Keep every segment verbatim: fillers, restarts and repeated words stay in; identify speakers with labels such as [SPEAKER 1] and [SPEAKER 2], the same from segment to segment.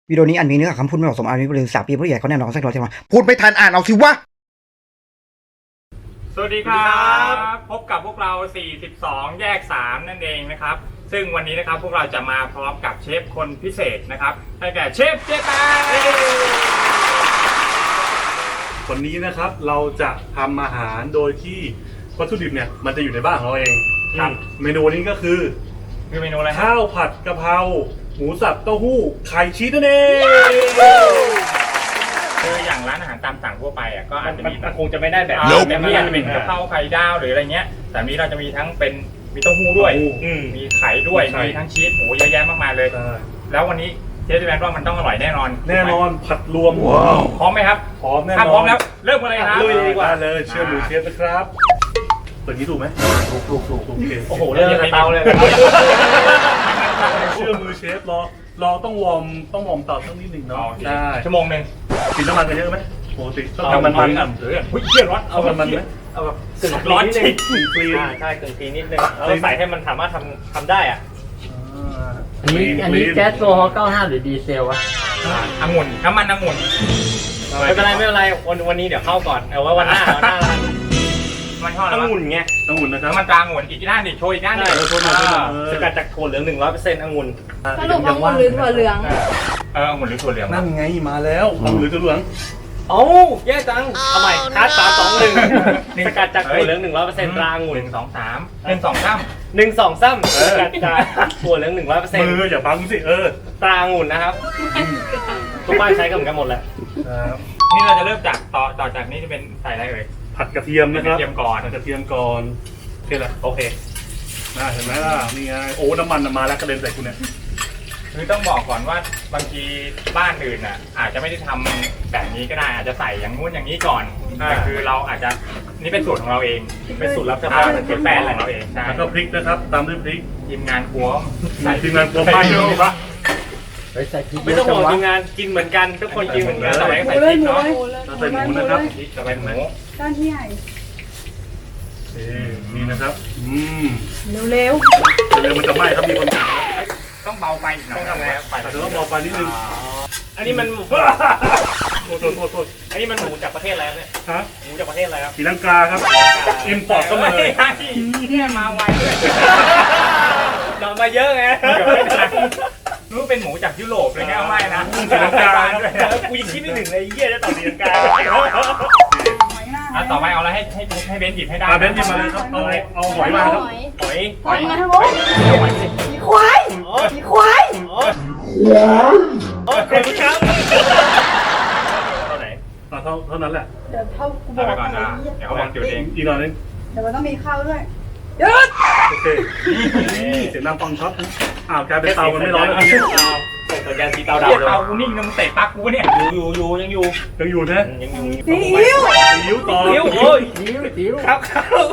[SPEAKER 1] วิดีโอนี้อันมีเนื้อหาคำพูดไม่เหมาะสมอาจมีผู้หรือสาปีผู้ใหญ่เขาแน่นอนสักร้อยใช่ไหมพูดไม่ทันอ่านเอาสิวะ
[SPEAKER 2] สวัสดีครับพบกับพวกเราสี่สิบสองแยกสามนั่นเองนะครับซึ่งวันนี้นะครับพวกเราจะมาพร้อมกับเชฟคนพิเศษนะครับได้แก่เชฟเจแปน
[SPEAKER 3] วันนี้นะครับเราจะทำอาหารโดยที่วัตถุดิบเนี่ยมันจะอยู่ในบ้านของเราเองครับเมนูนี้ก็คือ
[SPEAKER 2] คือเมนูอะไร
[SPEAKER 3] ข้าวผัดกะเพราหมูสับเต้าหู้ไข่ชีสนั่นเอง
[SPEAKER 2] คืออย่างร้านอาหารตามสั่งทั่วไปอ่ะก็อาจจะมี
[SPEAKER 3] คงจะไม่ได้แบบ
[SPEAKER 2] แบบนี้อาจจะเป็นกะเพราไข่ดาวหรืออะไรเงี้ยแต่นี้เราจะมีทั้งเป็นมีเต้าหู้ด้วยมีไข่ด้วยมีทั้งชีสโอ้เยอะแยะมากมายเลยแล้ววันนี้เชฟแปนว่ามันต้องอร่อยแน่นอน
[SPEAKER 3] แน่นอนผัดรวม
[SPEAKER 2] พร้อมไหมครับ
[SPEAKER 3] พร้อมแน่นอน
[SPEAKER 2] ถ้าพร้อมแล้วเริ่มกันเลยครับ
[SPEAKER 3] ลุยดีกว่าเลยเชื่อมือเชฟนะครับเปิดนี้ถูกไหมถูกถูกถูกโอเค
[SPEAKER 2] โอ้โหเริ่มจากเตาเลย
[SPEAKER 3] เชื่อมือเชฟรอรอต้องวอร์มต้องวอร์มเตาสักนิดหนึ่งเนาะ
[SPEAKER 2] ได้ชั่วโมงหนึ่ง
[SPEAKER 3] กินน้ำมันกันเยอะไหมปกติต้องทำมันมันอ่ะ
[SPEAKER 2] เฮ้ยเชี่ยร้อน
[SPEAKER 3] เอามันมันไหม
[SPEAKER 4] เอาแบบกึ่งร้อนนิดนึงใช่กึ่งทีนิดนึงเราใส่ให้มันสามารถทำทำได้อ่ะ
[SPEAKER 5] อันนี้อันนี้แก๊สโซฮอล์เก้าสิบห้าหรือดีเซลวะ
[SPEAKER 2] องุ่นน้ำมันองุ่น
[SPEAKER 4] ไม่เป็นไรไม่เป็นไรวันวันนี้เดี๋ยวเข้าก่อนเอาไว้วันหน้าวันหน้าละ
[SPEAKER 2] มันทอด
[SPEAKER 4] องุ่นไง
[SPEAKER 3] องุ่นนะครับ
[SPEAKER 2] มันตาองุ่นอีกด้านหนึ่งโชว์อีกด้านหนึ่ง
[SPEAKER 4] สกัดจากถั่วเหลืองหนึ่งร้อยเปอร์เซ็นต์องุ่น
[SPEAKER 6] สรุปองุ่นหรือถั่วเหลือง
[SPEAKER 2] เออองุ่นหรือถั่วเหลือง
[SPEAKER 3] นั่นไงมาแล้วองุ่นหรือถั่วเหลือง
[SPEAKER 4] โอ้แย่จังเอาใหม่คัสสามสองหนึ่งสกัดจากถั่วเหลืองหนึ่งร้อยเปอร์เซ็นต์ตราองุ่น
[SPEAKER 2] หนึ่งสองสามหนึ่งสองสาม
[SPEAKER 4] หนึ่งสองสามสกัดจากถั่วเหลืองหนึ่งร้อยเปอร์เซ็นต์
[SPEAKER 3] มืออย่าบังสิเออ
[SPEAKER 4] ตราองุ่นนะครับทุกบ้านใช้กันเหมือนกันหมดแหละ
[SPEAKER 2] นี่เราจะเริ่มจากต่อต่อจากนี้จะเป็นใส่อะไรเอ่ย
[SPEAKER 3] ผัดกระเทียมนะครับ
[SPEAKER 2] กระเทียมก่อน
[SPEAKER 3] ผัดกระเทียมก่อนโอเคละโอเคน่าเห็นไหมล่ะนี่ไงโอ้น้ำมันมาแล้วกระเด็นใส่คุณเนี่ย
[SPEAKER 2] คือต้องบอกก่อนว่าบางทีบ้านอื่นอ่ะอาจจะไม่ได้ทำแบบนี้ก็ได้อาจจะใส่อย่างงู้นอย่างนี้ก่อนแต่คือเราอาจจะนี่เป็นสูตรของเราเองเป็นสูตรลับเฉพาะเป็นแป้งของเราเองใช่
[SPEAKER 3] แล้วก็พริกนะครับตามด้วยพริก
[SPEAKER 2] ทีมงานครัว
[SPEAKER 3] ทีมงานครัวบ้านอยู่ปะ
[SPEAKER 4] ไม่ต้องห่วงทีมงานกินเหมือนกันทุกคนกินเหมือนกัน
[SPEAKER 2] ใส่ใส่พริกเนาะ
[SPEAKER 3] ใส่หมูนะครับ
[SPEAKER 2] ใส่หมู
[SPEAKER 6] ด้านที่ใหญ่
[SPEAKER 3] นี่นะครับอืม
[SPEAKER 6] เร็ว
[SPEAKER 3] เร็วมันจะไหม้ครับมีคนถาม
[SPEAKER 2] ต้องเบาไปหน่อยต้องทำไง
[SPEAKER 3] อาจจะต้องเบาไปนิดนึง
[SPEAKER 4] อันนี้มัน
[SPEAKER 3] โทษโทษโทษโทษ
[SPEAKER 4] อันนี้มันหมูจากประเทศอะไรเนี่ย
[SPEAKER 3] ฮะ
[SPEAKER 4] หมูจากประเทศอะไรครับ
[SPEAKER 3] ศรีลังกาครับอิมพอร์ตเข้ามาเลย
[SPEAKER 2] เนี่ยมาไวด้วย
[SPEAKER 4] นอนมาเยอะไง
[SPEAKER 2] รู้เป็นหมูจากยุโรปเลยแค่ไม่นะ
[SPEAKER 4] ศรีลังกากูยังคิดไม่ถึงเลยเยี่ยจะต่อศรีลังกา
[SPEAKER 2] ต่อไปเอาอะไรให้ให้ให้เบนหยิบให้ได้
[SPEAKER 3] เบนหยิบมาเลยครับเอาเอาหอยมาครับ
[SPEAKER 4] หอย
[SPEAKER 6] หอยมาทั้งหมดมีควายมีควาย
[SPEAKER 4] โอ้ขอบคุณครับเท่าไหน
[SPEAKER 3] เท่าเท่านั้นแหละ
[SPEAKER 6] เดี๋ยวเท่ากูบ
[SPEAKER 2] อ
[SPEAKER 6] อก
[SPEAKER 2] ก่อนนะเดี๋ยวเขาบอกจุดเอง
[SPEAKER 3] อีกหน่อยนึง
[SPEAKER 6] เดี๋ยวมันต้องมีข้าวด้วยหยุด
[SPEAKER 3] โอเคเสียงดังฟังช็อตอ้าวกลายเป็นเตามันไม่ร้อนแล้ว
[SPEAKER 4] เนี่ยส่งสัญญาณสีเตาดาว
[SPEAKER 2] เตากูนิ่งนะมึงเตะปักกูเนี่ย
[SPEAKER 4] อยู่อยู่ยังอยู่
[SPEAKER 3] ยังอยู่นะ
[SPEAKER 4] ยังอยู่
[SPEAKER 6] ซีอิ๊ว
[SPEAKER 3] ซีอิ๊วต่อ
[SPEAKER 4] ซีอิ๊วโอ้ย
[SPEAKER 5] ซีอิ๊วซีอิ๊ว
[SPEAKER 4] ครับครับ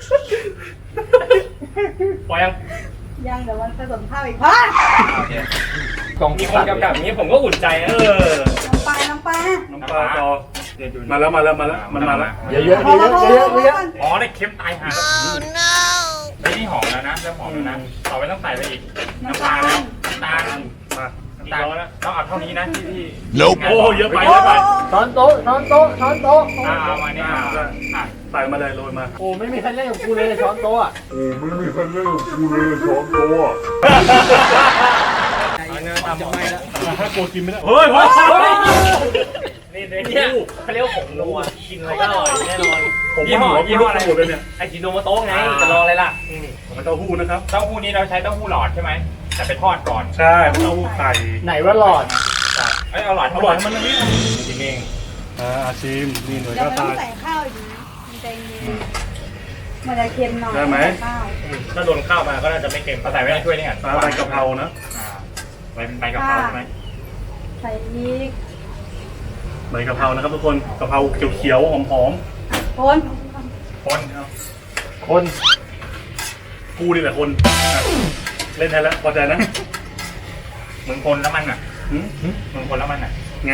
[SPEAKER 4] พอยัง
[SPEAKER 6] ยังเดี๋ยวมันผสมข้าวอีกพ่
[SPEAKER 4] อกล่องมีคนกำกับอย่างนี้ผมก็อุ่นใจนะ
[SPEAKER 3] เออ
[SPEAKER 6] น้ำปลาน้ำปลา
[SPEAKER 3] น้ำปลาต่อมาแล้วมาแล้วมาแล้วมันมาแล้ว
[SPEAKER 5] เยอะเยอะเยอะเยอะเยอะ
[SPEAKER 2] อ๋อได้เค็มตายห่าไม่นี่หอมแล้วนะเริ่มหอมแล้วนะต่อไปต้องใส่ไปอีกน้ำปลาแล้วน้ำตาล
[SPEAKER 3] มา
[SPEAKER 2] น้ำตาลต้องเอาเท่านี้นะที่ที่
[SPEAKER 3] โอ้เยอะไปเยอะไป
[SPEAKER 5] ช้อนโต๊ะช้อนโต๊ะช้อนโต๊ะ
[SPEAKER 2] เอามาเนี่ย
[SPEAKER 3] ใส่มาเลยโรยมา
[SPEAKER 5] โอ้ไม่มีใครเล่นกับกูเลยช้อนโต๊ะ
[SPEAKER 3] โอ้ไม่มีใครเล่นกับกูเลยช้อนโต๊ะ
[SPEAKER 4] ทำไม่แล้ว
[SPEAKER 3] ถ้ากลัวกินไม่ได้เฮ้ยเฮ้ย
[SPEAKER 4] นี่เนี่ยเขาเรียกว่าผงนัวกินอะไรก็อร่อยแน่นอน
[SPEAKER 3] ผมยี่ห้อยี่ห้ออะไรหมดเลยเนี่ย
[SPEAKER 4] ไอจิโนโมโต้ไงจะรออะไรล่ะ
[SPEAKER 3] เต้าหู้นะครับ
[SPEAKER 2] เต้าหู้นี้เราใช้เต้าหู้หลอดใช่ไหมแต่ไปทอดก่อน
[SPEAKER 3] ใช่เต้าหู้ไข่
[SPEAKER 5] ไหนว่าหลอด
[SPEAKER 2] เอ้ยเอาหลอด
[SPEAKER 3] เอาหลอดมันนี่
[SPEAKER 2] ชิมเอง
[SPEAKER 3] อ่าชิมนี่หน่อยก็
[SPEAKER 6] ตายใส่ข้าวอยู่มันจะมันจะเค็มหน่อย
[SPEAKER 3] ได้ไหม
[SPEAKER 4] ถ้าโดนข้าวมาก็น่าจะไม่เค็ม
[SPEAKER 2] ใส่ไว้ในถ้วยนี่ก่อน
[SPEAKER 3] ใบกะเพรานะ
[SPEAKER 2] ใบใบกะเพราใช่ไหม
[SPEAKER 6] ใส่พริก
[SPEAKER 3] ใบกะเพรานะครับทุกคนกะเพราเขียวๆหอม
[SPEAKER 6] ๆคน
[SPEAKER 2] คน
[SPEAKER 5] คน
[SPEAKER 3] กูนี่แหละคนเล่นแทนแล้วพอใจนะ
[SPEAKER 2] มึงคนแล้วมันอ่ะมึงคนแล้วมันอ่ะ
[SPEAKER 3] ไง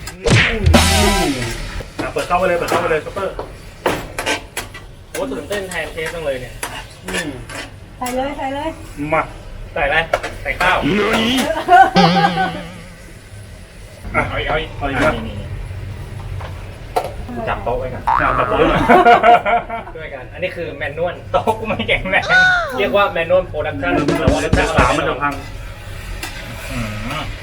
[SPEAKER 3] เปิดเข้าไปเลยเปิดเข้าไปเลยซัปเปอร์
[SPEAKER 4] โอ้ตื่นเต้นแทนเทสจังเลยเนี่ย
[SPEAKER 6] ใส่เลยใส่เลย
[SPEAKER 3] มา
[SPEAKER 4] ใส่อะไรใส่ข้าว
[SPEAKER 2] เอาอีก
[SPEAKER 3] เอาอีก
[SPEAKER 2] อ่ะ
[SPEAKER 3] ครับ
[SPEAKER 2] นี่นี่กูจับโต๊ะไว้ก่อน
[SPEAKER 3] เอาจับโต๊ะหน่อย
[SPEAKER 4] ด้วยกัน อันนี้คือแมนนวล
[SPEAKER 2] โต๊ะกูไม่แข็งแรง
[SPEAKER 4] เรียกว่าแมนนวลโปรดักชั่นแต่ว่ารสชาติ
[SPEAKER 3] สามมันจะพัง
[SPEAKER 2] อืม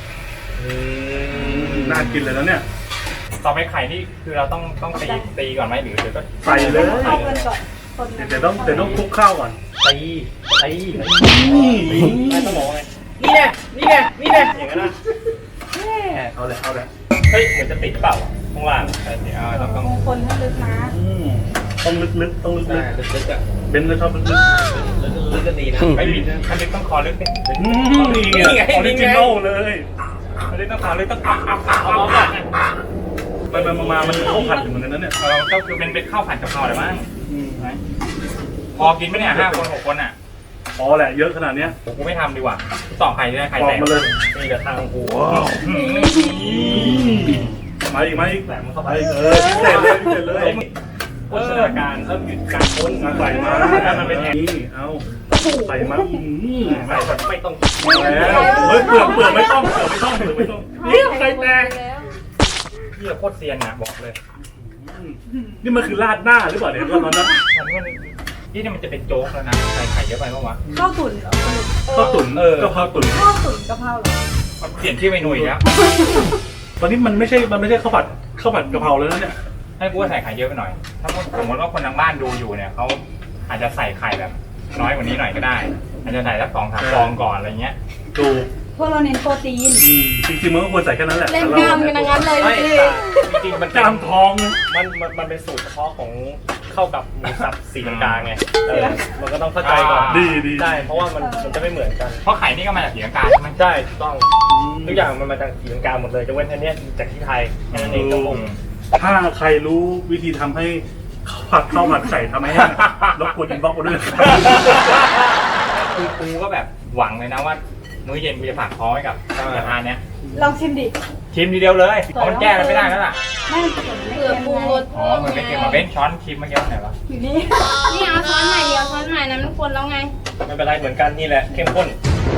[SPEAKER 3] น่ากินเลยแล้วเนี่ย
[SPEAKER 2] ต่อไปไข่นี่คือเราต้องต้องตีตีก่อนไหมหรือหรือก็
[SPEAKER 3] ใส่เลย
[SPEAKER 6] เอาเงินก่อนคน
[SPEAKER 3] เดี๋ยวต้องเดี๋ยวต้องคลุกข้าวก่อน
[SPEAKER 4] ตีตีไม่ต้องบอกไงนี่แน่นี่แน่นี่แน่อย่างนั้นนะ
[SPEAKER 3] เอาเลยเอาเลย
[SPEAKER 4] เฮ้ยเหมือนจะติดเปล่าข้างล่าง
[SPEAKER 2] ใช่สิเอาต้องต้อง
[SPEAKER 6] มงคลให้ลึกนะ
[SPEAKER 3] อืมต้องลึกๆต้องลึ
[SPEAKER 4] ใช่
[SPEAKER 3] ก
[SPEAKER 4] ลึกๆอ่ะ
[SPEAKER 3] ๆเบนก็ชอบลึก
[SPEAKER 4] ลึกๆก็ดีนะ
[SPEAKER 2] ไม่บิดคันนี้ต้องคอลึกดิ
[SPEAKER 3] ๆอืมนี่ไงออริจินอลเลย
[SPEAKER 2] คันนี้ต้องคอลึกต้องอัพอัพอัพ
[SPEAKER 4] เอา
[SPEAKER 2] อัพ
[SPEAKER 4] มา
[SPEAKER 3] ไปไปมาๆมันเข้าผัดอยู่เหมือนกันนะเนี่ย
[SPEAKER 2] เราก็คือเป็นเป็นข้าวผัดกะเพราอะไรมั้ง
[SPEAKER 3] อืม
[SPEAKER 2] พอกินไหมเนี่ยห้าคนหกคนอ่ะ
[SPEAKER 3] พอแหละเยอะขนาดเนี้ย
[SPEAKER 2] ผมกูไม่ทำดีกว่าต่อไข่ได้ไข่
[SPEAKER 3] บอ
[SPEAKER 2] แต
[SPEAKER 3] ก
[SPEAKER 2] ก
[SPEAKER 3] มาเลย
[SPEAKER 4] นี่กับทางหู
[SPEAKER 2] อืม
[SPEAKER 3] มาอีกมาอีก
[SPEAKER 4] แหลมมันเข้าไป
[SPEAKER 3] เออพิเศษเลยพิเศษเลย
[SPEAKER 4] โภชนาการเริ่มหยุดการพ้น
[SPEAKER 3] มาใส่มา
[SPEAKER 2] มันเป็นแหน
[SPEAKER 3] นี่เอาใส่มาอืม
[SPEAKER 4] ใส่แบบไม่ต้อง
[SPEAKER 3] มาแล้วเฮ้ยเปลือกเปลือกไม่ต้องเปลือกไม่ต้องเปลือกไม่ต้องนี่ไข่แตก
[SPEAKER 6] แล้ว
[SPEAKER 2] พี่โคตรเซียนนะบอกเลย
[SPEAKER 3] นี่มันคือราดหน้าหรือเปล่าเนี่ยตอนนั้นนะ
[SPEAKER 2] มันมันนี่เนี่ยมันจะเป็นโจ๊กแล้วนะใส่ไข่เยอะไปปะวะ
[SPEAKER 6] ข้าวตุ๋นเหรอ
[SPEAKER 3] ข้าวตุ๋น
[SPEAKER 2] เออ
[SPEAKER 3] ก็ข้าวตุ๋น
[SPEAKER 6] ข้าวตุ๋นกะเพราเหรอ
[SPEAKER 2] เปลี่ยนชื่อเมนูอีกแล้ว
[SPEAKER 3] ตอนนี้มันไม่ใช่มันไม่ใช่ข้าวผัดข้าวผัดกะเพราแล้วนะเนี่ย
[SPEAKER 2] ให้กูว่าใส่ไข่เยอะไปหน่อย ถ้าสมมติว่าคนทางบ้านดูอยู่เนี่ยเขาอาจจะใส่ไข่แบบ น้อยกว่านี้หน่อยก็ได้ อาจจะใส่สักสองสามฟองก่อนอะไรเงี้ย
[SPEAKER 3] ดู
[SPEAKER 6] พวกเราเน้นโปรตีน
[SPEAKER 3] อืมจริงๆมันก็ควรใส่แค่นั้นแหละ
[SPEAKER 6] เล่นกล้ามกันทั้งนั้นเลย
[SPEAKER 4] ไม่
[SPEAKER 6] พี่
[SPEAKER 4] แต่จริงๆมัน
[SPEAKER 3] กล้ามทอง
[SPEAKER 4] มันมันมันเป็นสูตรเฉพาะของเข้ากับหมูสับสีลังกาไงเออมันก็ต้องเข้าใจก่อน
[SPEAKER 3] ดีดี
[SPEAKER 4] ใช่เพราะว่ามันมันจะไม่เหมือนกัน
[SPEAKER 2] เพราะไข่นี่ก็มาจากสีลังกาใช่ไหม
[SPEAKER 4] ใช่ถูกต้องทุกอย่างมันมาจากสีลังกาหมดเลยจะเว้นแค่เนี้ยจากที่ไทยแค่นั้นเองครับผม
[SPEAKER 3] ถ้าใครรู้วิธีทำให้ข้าวผัดข้าวผัดไข่ทำให้แห้งรบกวนอินบ็อกซ์มาด้วยนะครับ
[SPEAKER 2] คือกูก็แบบหวังเลยนะว่า มื้อเย็นกูจะฝากท้องไว้กับกระทานเนี้ย
[SPEAKER 6] ลองชิมดิ
[SPEAKER 2] ชิมทีเดียวเลยเพราะมันแก้อะไรไม่ได้แล้วล่ะ
[SPEAKER 6] ไม่เผื่อปู
[SPEAKER 2] อ๋อมันไม่เค็มมาเบ้นช้อนชิมเมื่อกี้ว่าไหนวะ
[SPEAKER 6] อยู่นี่
[SPEAKER 7] นี่เอาช้อนใหม่เดียวช้อนใหม่นั้นมันคนแล้วไง
[SPEAKER 4] ไม่เป็นไรเหมือนกันนี่แหละเข้มข้น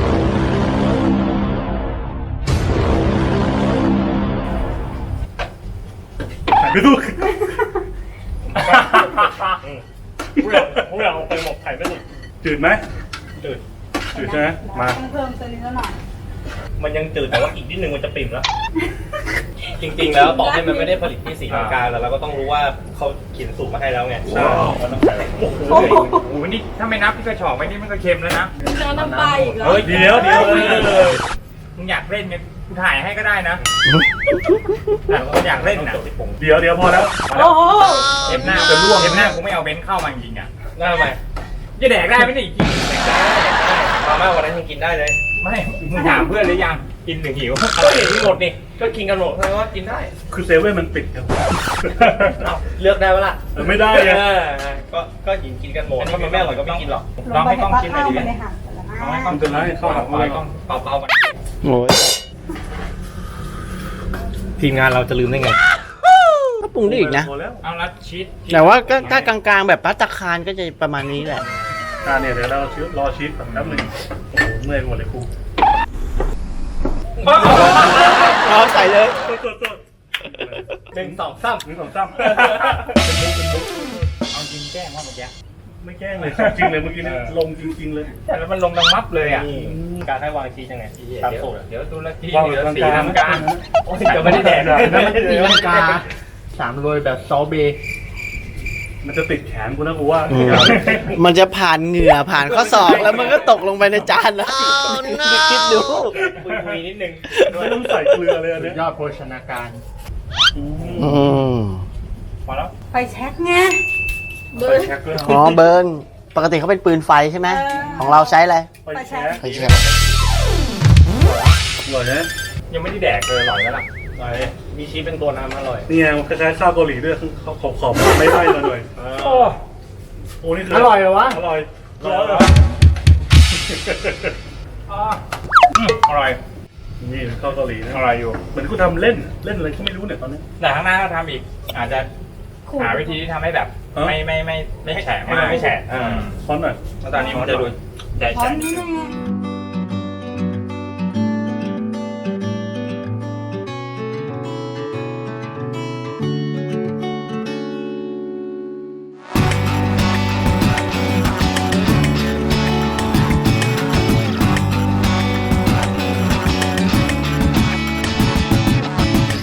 [SPEAKER 3] หันไปดู
[SPEAKER 4] ผู้อยากผู้อยากเอาไปหมกไข่ไม่สุด
[SPEAKER 3] จืดไหม
[SPEAKER 4] จืด
[SPEAKER 3] จืดใช่ไหมมา
[SPEAKER 6] ต้องเพิ่มตัวนี้แล้วหน่อย
[SPEAKER 4] มันยังจืดแต่ว่าอีกนิดนึงมันจะปิ่มแล้ว จริงๆแล้วต่อให้มันไม่ได้ผลิตที่สีลังกาแล้วเราก็ต้องรู้ว่าเขาเขียนสูตรมาให้แล้วไงก็ต้องใส่
[SPEAKER 2] โอ้โหโอ้โหนี่ถ้าไม่นับที่กระชอกไว้นี่มันก็เค็มแล้วนะ
[SPEAKER 6] จะน้ำปลาอีกเหรอ
[SPEAKER 2] เฮ้ย
[SPEAKER 3] เดี๋ยวเดี๋ยว
[SPEAKER 2] มึงอยากเล่นเนี่ยกูถ่ายให้ก็ได้นะแต่กูอยากเล่นนะ
[SPEAKER 3] เดี๋ยวเดี๋ยวพอแล้ว
[SPEAKER 6] โอ้โห
[SPEAKER 2] เทปหน้าจะร่วงเทปหน้ากูไม่เอาเบนซ์เข้ามาจริงๆอ่ะ
[SPEAKER 4] ได้ไหม
[SPEAKER 2] จะแดกได้ไหมเนี่ยจริง
[SPEAKER 4] มาม่าวันนั้นยังกินได้เลย
[SPEAKER 2] ไม่มึงถามเพื่อนหรือยังกินหรือหิว
[SPEAKER 4] ก็เห็นที่หมดนี่ก็กินกันหมดแสดงว่ากินได้
[SPEAKER 3] คือเซเว่นมันปิดครับ
[SPEAKER 4] เอ้าเลือกได้ปะล่ะ
[SPEAKER 3] เออไม่ได้
[SPEAKER 4] เอ
[SPEAKER 3] ไง
[SPEAKER 4] อก็ก็กินกินกันหมดถ้ามันไม่อร่อยก็ไม่กินหรอก
[SPEAKER 2] ลองให้กล้องชิมหน่อยดิ
[SPEAKER 6] ไม่
[SPEAKER 2] เบน
[SPEAKER 6] ได้
[SPEAKER 2] ซ์
[SPEAKER 6] หั่นแต่ละ
[SPEAKER 2] ลองให้กล้อง
[SPEAKER 3] มันจะไล่เข้าหา
[SPEAKER 2] เอาไว้กล้องเป่าๆมัน
[SPEAKER 5] โอ้ย
[SPEAKER 4] ทีมงานเราจะลืมได้ไง
[SPEAKER 5] ก็ปรุงได้อีกนะ
[SPEAKER 3] พอแล้ว
[SPEAKER 2] เอาละชีส
[SPEAKER 5] แต่ว่าก็ถ้ากลางๆแบบพัตตาคารก็จะประมาณนี้แหละ
[SPEAKER 3] อ่าเนี่ยเดี๋ยวเราชีสรอชีสแบบแป๊บหนึงโอ้โหเมื่อยไปหมดเลยครู
[SPEAKER 5] เอาใส่เลย
[SPEAKER 3] โทษโทษโทษ
[SPEAKER 4] หนึ่งสองสาม
[SPEAKER 3] หนึ่งสองสาม
[SPEAKER 2] เอาจริงแกล้งว่าเมื่อกี้
[SPEAKER 3] ไม่แกล้งเลยจริงเลยเมื่อกี้นี่ลงจริง ๆ เลย
[SPEAKER 2] แต่แล้วมันลงดังมับเลยอ่ะ
[SPEAKER 4] นี่การให้วางชีสยังไงตาม
[SPEAKER 2] เดี๋ยว
[SPEAKER 4] สูตร
[SPEAKER 2] เดี๋ยวดูละที่
[SPEAKER 3] วาง
[SPEAKER 2] เหลือ
[SPEAKER 3] กลางๆ
[SPEAKER 2] สีทำการ
[SPEAKER 4] โอ้ยจะไม่ได้แดก
[SPEAKER 5] แล้วมันตีลังกาสามโรยแบบซอเบย์
[SPEAKER 3] มันจะติดแขนกูนะกูว่า
[SPEAKER 5] มันจะผ่านเหงื่อผ่านข้อศอกแล้วมันก็ตกลงไปในจานแล้วคิดดู
[SPEAKER 4] คุยๆนิดนึง
[SPEAKER 3] ไม่ต้องใส่เกลือเลยอันเนี้ย
[SPEAKER 5] ยอดโภชนาการ
[SPEAKER 3] อืม
[SPEAKER 5] อืม
[SPEAKER 2] พอแล้ว
[SPEAKER 6] ไฟแช็กไง
[SPEAKER 3] ใส่แช็คด้วย
[SPEAKER 5] อ๋อเบิร์นปกติเขาเป็นปืนไฟใช่ไหมของเราใช้อะไร
[SPEAKER 3] ไปแช็ค
[SPEAKER 5] ไฟแช็
[SPEAKER 3] อร่อยนะ
[SPEAKER 2] ยังไม่ได้แดกเลยอร่อยแล้วล่ะ
[SPEAKER 4] อร่อยมีชีสเป็นตัวน้ำอร่อย
[SPEAKER 3] นี่ไงมันคล้ายๆข้าวเกาหลีด้วยขอบขอบๆไม่ไหม้มาหน่อย
[SPEAKER 2] โอ้
[SPEAKER 3] โอ้นี่คือ
[SPEAKER 5] อร่อยเหรอวะ
[SPEAKER 3] อร่อย
[SPEAKER 2] ร้อนเหรออ่าอืมอร่อย
[SPEAKER 3] นี่ข้าวเกาหลีนะ
[SPEAKER 2] อร่อยอยู่
[SPEAKER 3] เหมือนกูทำเล่นเล่นอะไรก็ไม่รู้เนี่ยตอนนี้
[SPEAKER 2] แต่ข้างหน้าถ้าทำอีก อาจจะหาวิธีที่ทำให้แบบ
[SPEAKER 3] ฮะ
[SPEAKER 2] ไม่ไม่ไม่ไม่แฉะ
[SPEAKER 4] ให้
[SPEAKER 2] มา
[SPEAKER 4] มั
[SPEAKER 2] ก
[SPEAKER 4] นไม่แฉะ
[SPEAKER 2] อืม
[SPEAKER 3] ช้อนหน่อย
[SPEAKER 2] แล้วตอนนี้มันจะดูใหญ่
[SPEAKER 6] พร้อ
[SPEAKER 2] แฉะ
[SPEAKER 6] มนี่ไง
[SPEAKER 3] อ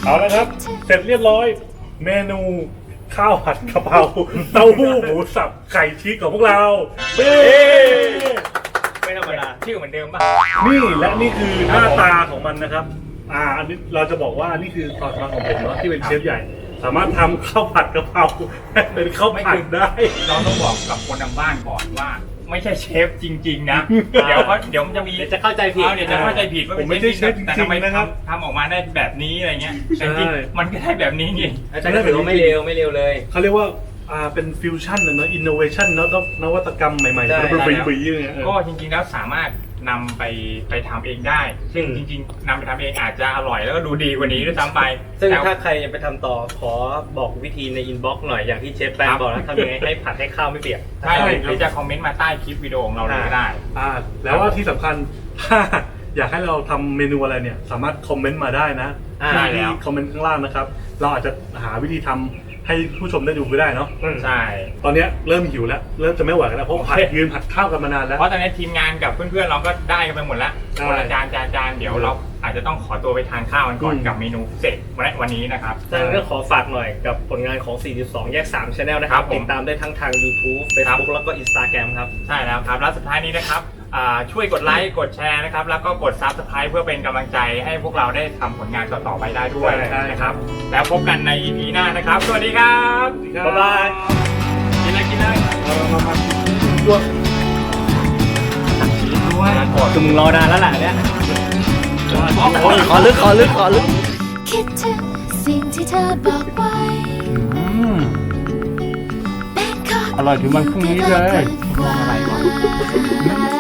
[SPEAKER 3] เอาละครับ เสร็จเรียบร้อย เมนูข้าวผัดกะเพราเต้าหู้หมูสับไข่ชีสของพวกเราเย้
[SPEAKER 4] ไม่ธรรมดา
[SPEAKER 2] ชื่อเหมือนเดิมป่ะ
[SPEAKER 3] นี่และนี่คือหน้าตาของมันนะครับ อ่า อันนี้เราจะบอกว่านี่คือความสามารถของผมเนาะที่เป็นเชฟใหญ่ สามารถทำข้าวผัดกะเพราให้เป็นข้าวผัดได้
[SPEAKER 2] เราต้องบอกกับคนทางบ้านก่อนว่า ไม่ใช่เชฟจริง ๆ นะ เดี๋ยวเขาเดี๋ยวมันจะมี
[SPEAKER 4] เดี๋ยวจะเข้าใจผิด
[SPEAKER 2] เอาเดี๋ยวจะเข้าใจผิดว่า
[SPEAKER 3] ผมไม่ใช่เชฟจริงๆ
[SPEAKER 2] แต่ทำไม
[SPEAKER 3] นะครับ
[SPEAKER 2] ทำออกมาได้แบบนี้อะไรเงี้ยแต่จริง
[SPEAKER 3] ใช่
[SPEAKER 2] ๆมันก็ได้แบบนี้จริง
[SPEAKER 4] อาจารย์ก็ถือว่าไม่เร็วไม่เร็วเลย
[SPEAKER 3] เขาเรียกว่า อ่า เป็นฟิวชั่นเนอะอินโนเวชันเนอะต้องนวัตกรรมใหม่ๆ
[SPEAKER 4] ใช่
[SPEAKER 3] แล้วเป็นปีๆอย่างเงี้ยเออ
[SPEAKER 2] ก็จริงๆแล้วสามารถนำไปไปทำเองได้ ซึ่ง
[SPEAKER 3] อืม
[SPEAKER 2] จริงๆนำไปทำเองอาจจะอร่อยแล้วก็ดูดีกว่านี้ด้วยซ้ำไป
[SPEAKER 4] ซึ่ง
[SPEAKER 2] แต่
[SPEAKER 4] ถ้าใครจะไปทำต่อขอบอกวิธีในอินบ็อกซ์หน่อยอย่างที่เชฟแปนบอกนะทำยังไงให้ผัดให้ข้าวไม่เปียก
[SPEAKER 2] ใช่หรือจะคอมเมนต์มาใต้คลิปวิดีโอของเราเลยก็ได้
[SPEAKER 3] อ่า แล้วว่าที่สำคัญ ถ้าอยากให้เราทำเมนูอะไรเนี่ย สามารถคอมเมนต์มาได้นะ
[SPEAKER 4] อ่า
[SPEAKER 3] ที่
[SPEAKER 2] ได้แล้ว
[SPEAKER 3] คอมเมนต์ข้างล่างนะครับ เราอาจจะหาวิธีทำให้ผู้ชมได้ดูก็ได้เนาะ
[SPEAKER 2] ใช่
[SPEAKER 3] ตอนเนี้ยเริ่มหิวแล้ว เริ่มจะไม่ไหวกันแล้วเพราะผัด
[SPEAKER 2] โอเค
[SPEAKER 3] ยืนผัดข้าวกันมานานแล้ว
[SPEAKER 2] เพราะตอนนี้ทีมงานกับเพื่อนๆเราก็ได้กันไปหมดแล้ว
[SPEAKER 3] ใช่
[SPEAKER 2] คนละจานจานจานเดี๋ยวเราอาจจะต้องขอตัวไปทานข้าวกันก่อน
[SPEAKER 3] อืม
[SPEAKER 2] กับเมนูเสร็จวันนี้นะครับ
[SPEAKER 4] ดังนั้นก็ขอฝากหน่อยกับผลงานของ สี่สิบสอง แยก สาม Channel นะค
[SPEAKER 2] ครั
[SPEAKER 4] รับบ
[SPEAKER 2] ผม
[SPEAKER 4] ติดตามได้ทั้งทาง YouTube Facebook แล้วก็ Instagram ครับ
[SPEAKER 2] ใช่แล้วครับ แล้วสุดท้ายนี้นะครับอ่าช่วยกดไลค์ กดแชร์นะครับ แล้วก็กด Subscribe เพื่อเป็นกำลังใจให้พวกเราได้ทำผลงานต่อๆไปได้ด้วย
[SPEAKER 3] ใช่
[SPEAKER 2] นะครับ แล้วพบกันใน อี พี หน้านะครับ สวัสดีครับ
[SPEAKER 3] บ๊ายบาย
[SPEAKER 2] กินอะไรกินอะไร
[SPEAKER 3] ด้วย
[SPEAKER 4] คือมึงรอนานแล้วล่ะเนี่ย
[SPEAKER 5] ขอลึกขอลึกขอลึก
[SPEAKER 8] คิดถึงสิ่งที่เธอบอกไว้อร่อยถึงวันพรุ่งนี้เลย